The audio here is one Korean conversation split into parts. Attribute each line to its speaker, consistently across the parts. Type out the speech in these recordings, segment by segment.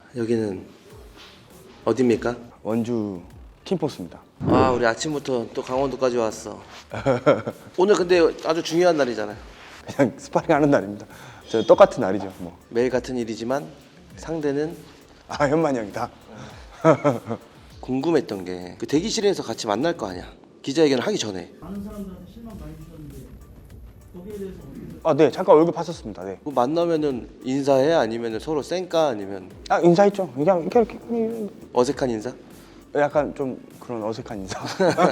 Speaker 1: 여기는 어디입니까?
Speaker 2: 원주 팀포스입니다.
Speaker 1: 아, 우리 아침부터 또 강원도까지 왔어. 오늘 근데 아주 중요한 날이잖아요.
Speaker 2: 그냥 스파링 하는 날입니다. 저 똑같은 날이죠. 뭐.
Speaker 1: 매일 같은 일이지만 상대는
Speaker 2: 아, 현만이 형이다.
Speaker 1: 궁금했던 게 그 대기실에서 같이 만날 거 아니야. 기자회견을 하기 전에.
Speaker 3: 많은 사람들한테 실망 많이 주셨는데 거기에 대해서 어떻게
Speaker 2: 아, 네, 잠깐 얼굴 봤었습니다. 네.
Speaker 1: 뭐 만나면은 인사해 아니면 서로 쌩까 아니면
Speaker 2: 아, 인사했죠. 그냥 이렇게
Speaker 1: 어색한 인사?
Speaker 2: 약간 좀 그런 어색한 인사.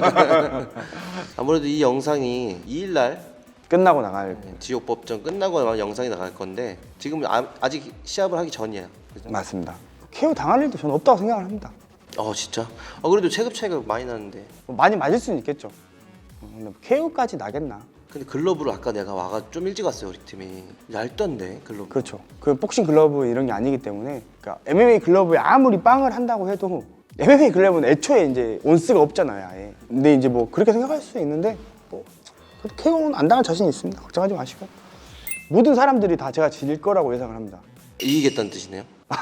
Speaker 1: 아무래도 이 영상이 2일 날
Speaker 2: 끝나고 나갈.
Speaker 1: 지옥 법정 끝나고 아마 영상이 나갈 건데 지금 아직 시합을 하기 전이에요. 그죠?
Speaker 2: 맞습니다. KO 당할 일도 저는 없다고 생각을 합니다.
Speaker 1: 진짜? 그래도 체급 차이가 많이 나는데.
Speaker 2: 많이 맞을 수는 있겠죠. 근데 KO까지 나겠나?
Speaker 1: 근데 글러브를 아까 내가 와가 좀 일찍 왔어요. 우리 팀이 얇던데 글러브.
Speaker 2: 그렇죠. 그 복싱 글러브 이런 게 아니기 때문에, 그러니까 MMA 글러브에 아무리 빵을 한다고 해도 MMA 글러브는 애초에 이제 온스가 없잖아요, 아예. 근데 이제 뭐 그렇게 생각할 수 있는데 뭐 KO는 안 당할 자신이 있습니다. 걱정하지 마시고. 모든 사람들이 다 제가 질 거라고 예상을 합니다.
Speaker 1: 이기겠다는 뜻이네요.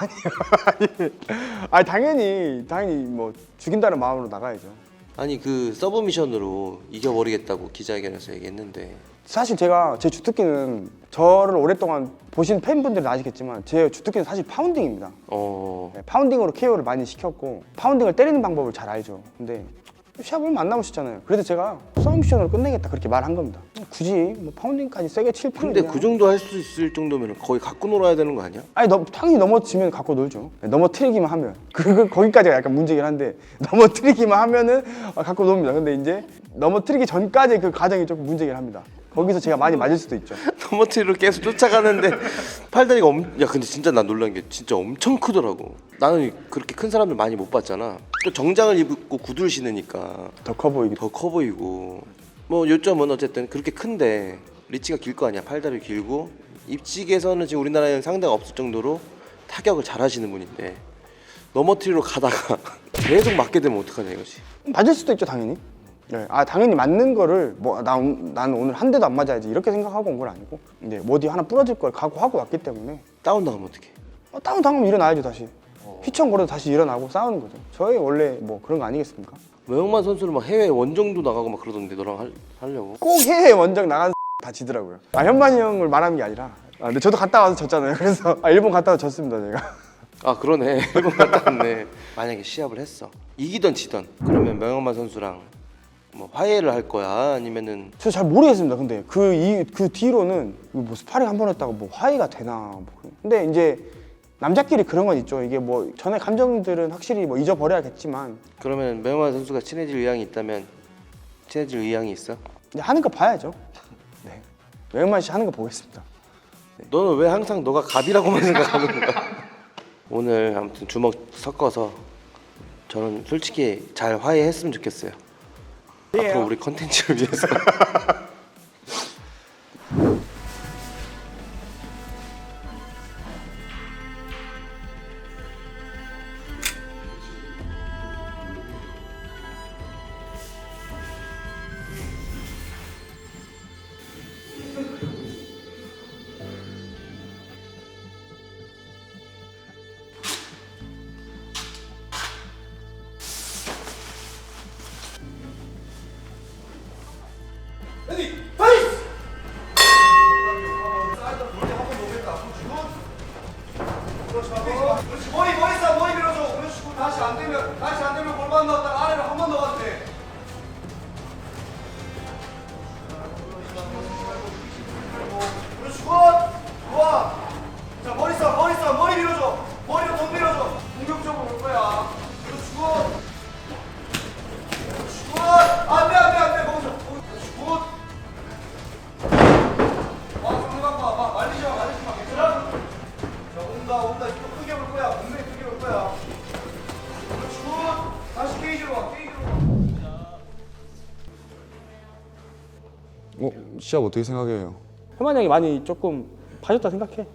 Speaker 2: 아니 당연히 뭐 죽인다는 마음으로 나가야죠.
Speaker 1: 아니 그 서브미션으로 이겨버리겠다고 기자회견에서 얘기했는데
Speaker 2: 사실 제가 제 주특기는 저를 오랫동안 보신 팬분들은 아시겠지만 제 주특기는 사실 파운딩입니다. 네, 파운딩으로 KO를 많이 시켰고 파운딩을 때리는 방법을 잘 알죠. 근데 시합을 안 남으셨잖아요. 그래서 제가 서브미션으로 끝내겠다 그렇게 말한 겁니다. 굳이 뭐 파운딩까지 세게 칠 필요는
Speaker 1: 근데 그 정도 할 수 있을 정도면 거의 갖고 놀아야 되는 거 아니야?
Speaker 2: 아니 당연히 넘어지면 갖고 놀죠. 넘어뜨리기만 하면 거기까지가 약간 문제긴 한데 넘어뜨리기만 하면은 갖고 놉니다. 근데 이제 넘어뜨리기 전까지 그 과정이 조금 문제긴 합니다. 거기서 제가 많이 맞을 수도 있죠.
Speaker 1: 터머트리로 계속 쫓아가는데 팔다리가 야 근데 진짜 난 놀란 게 진짜 엄청 크더라고. 나는 그렇게 큰 사람들 많이 못 봤잖아. 또 정장을 입고 구두를 신으니까
Speaker 2: 더 커 보이기.
Speaker 1: 더 커 보이고 뭐 요점은 어쨌든 그렇게 큰데 리치가 길 거 아니야. 팔다리 길고 입직에서는 지금 우리나라에는 상대가 없을 정도로 타격을 잘 하시는 분인데 넘어뜨리러 가다가 계속 맞게 되면 어떡하냐 이거지.
Speaker 2: 맞을 수도 있죠, 당연히. 네, 당연히 맞는 거를 뭐 나는 오늘 한 대도 안 맞아야지 이렇게 생각하고 온 건 아니고 이제 뭐 어디 하나 부러질 걸 각오하고 왔기 때문에
Speaker 1: 다운 나가면 어떡해.
Speaker 2: 다운 당하면 일어나야죠 다시. 휘청거려도 다시 일어나고 싸우는 거죠. 저희 원래 뭐 그런 거 아니겠습니까?
Speaker 1: 외영만 선수는 막 해외 원정도 나가고 막 그러던데 너랑 하려고.
Speaker 2: 꼭 해외 원정 나간 다 지더라고요. 현만이 형을 말하는 게 아니라. 근데 저도 갔다 와서 졌잖아요. 그래서 일본 갔다 와서 졌습니다 제가.
Speaker 1: 그러네. 일본 갔다 왔네. 만약에 시합을 했어. 이기던 지던 그러면 명영만 선수랑 뭐 화해를 할 거야 아니면은
Speaker 2: 저 잘 모르겠습니다. 근데 그 뒤로는 뭐 스파링 한 번 했다고 뭐 화해가 되나 뭐. 근데 이제 남자끼리 그런 건 있죠. 이게 뭐 전에 감정들은 확실히 뭐 잊어버려야겠지만
Speaker 1: 그러면 명영만 선수가 친해질 의향이 있다면 친해질 의향이 있어?
Speaker 2: 이제 하는 거 봐야죠. 네, 외영만 씨 하는 거 보겠습니다.
Speaker 1: 너는 왜 항상 너가 갑이라고만 생각하는 거야? 오늘 아무튼 주먹 섞어서 저는 솔직히 잘 화해했으면 좋겠어요. 앞으로 우리 컨텐츠를 위해서.
Speaker 4: 그렇지 머리 쏴 머리 밀어줘. 그렇지 다시 안 되면 골반 넣었다가 아래로 한 번 더 가도 돼. 그렇지 굿 좋아. 자 머리 밀어줘. 머리로 돈 밀어줘. 공격적으로 올 거야. 그렇지 굿. 그렇지 굿. 안돼 거기서. 그렇지 굿. 상대방 봐 말리지 마 괜찮아? 자 온다 또 크게 올 거야. 분명히 크게 올 거야. 그렇지 굿. 다시 케이지로 와.
Speaker 5: 시합 어떻게 생각해요?
Speaker 2: 현만이 형이 많이 조금 봐줬다 생각해.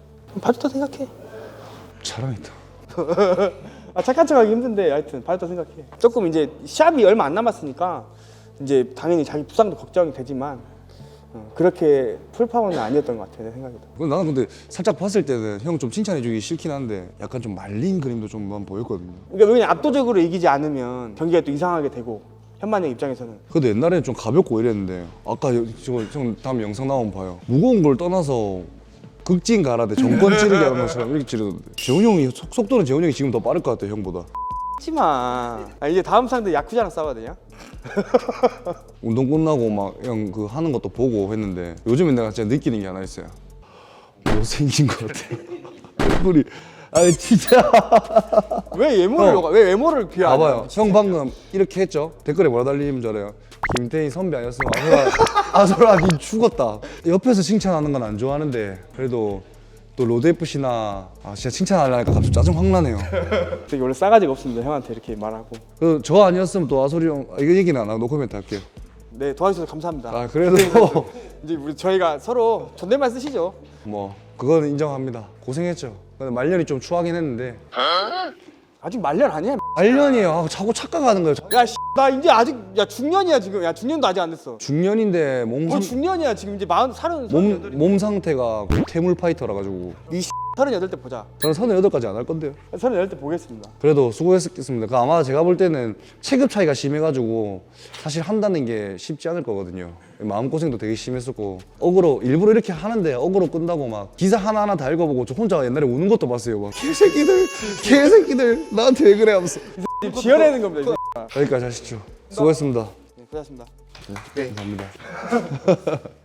Speaker 5: 자랑이다.
Speaker 2: 착한 척하기 힘든데 하여튼 봐줬다 생각해. 조금 이제 시합이 얼마 안 남았으니까 이제 당연히 자기 부상도 걱정이 되지만 그렇게 풀파워는 아니었던 것 같아요, 내 생각에도.
Speaker 5: 나는 근데 살짝 봤을 때는 형 좀 칭찬해주기 싫긴 한데 약간 좀 말린 그림도 좀만 보였거든요.
Speaker 2: 그러니까 그냥 압도적으로 이기지 않으면 경기가 또 이상하게 되고 현만의 입장에서는
Speaker 5: 근데 옛날에는 좀 가볍고 이랬는데 아까 형 다음 영상 나오면 봐요. 무거운 걸 떠나서 극진 가라데 정권 찌르기 하는 것처럼 이렇게 찌르던데. 재훈이 형이 속도는 재훈이 형이 지금 더 빠를 것 같아 형보다.
Speaker 2: 하지마. 이제 다음 상대 야쿠자랑 싸워야 되냐?
Speaker 5: 운동 끝나고 막 형 그 하는 것도 보고 했는데 요즘에 내가 진짜 느끼는 게 하나 있어요. 못생긴 것 같아. 얼굴이 아 진짜.
Speaker 2: 왜 외모를 왜 외모를 비하하냐?
Speaker 5: 봐봐요. 형 방금 이렇게 했죠. 댓글에 뭐라 달리는 줄 알아요? 김태희 선배 아니었으면 아소라 니 죽었다. 옆에서 칭찬하는 건 안 좋아하는데 그래도 또 로드 FC나 진짜 칭찬하려니까 갑자기 짜증 확 나네요.
Speaker 2: 되게 원래 싸가지가 없습니다. 형한테 이렇게 말하고.
Speaker 5: 저 아니었으면 또 아소리 형 이거 얘기는 안 하고 노코멘트 할게요.
Speaker 2: 네, 도와주셔서 감사합니다.
Speaker 5: 그래도
Speaker 2: 이제 우리 저희가 서로 존댓말 쓰시죠.
Speaker 5: 뭐 그거는 인정합니다. 고생했죠. 근데 말년이 좀 추하긴 했는데
Speaker 2: 아직 말년 아니야.
Speaker 5: 말년이에요. 자꾸 착각하는 거예요.
Speaker 2: 야, 나 이제 아직 중년이야 지금. 야, 중년도 아직 안 됐어.
Speaker 5: 중년인데
Speaker 2: 뭐 중년이야 지금 이제 38.
Speaker 5: 몸 상태가 태물 파이터라 가지고
Speaker 2: 38때 보자.
Speaker 5: 저는 38까지 안 할 건데요.
Speaker 2: 38때 보겠습니다.
Speaker 5: 그래도 수고했습니다. 아마 제가 볼 때는 체급 차이가 심해가지고 사실 한다는 게 쉽지 않을 거거든요. 마음고생도 되게 심했었고 어그로 일부러 이렇게 하는데 어그로 끈다고 막 기사 하나하나 다 읽어보고 저 혼자 옛날에 우는 것도 봤어요. 막 개새끼들 나한테 왜 그래 하면서.
Speaker 2: 지어내는 겁니다. 이제.
Speaker 5: 여기까지 하시죠. 수고했습니다.
Speaker 2: 네, 고생하셨습니다.
Speaker 5: 감사합니다.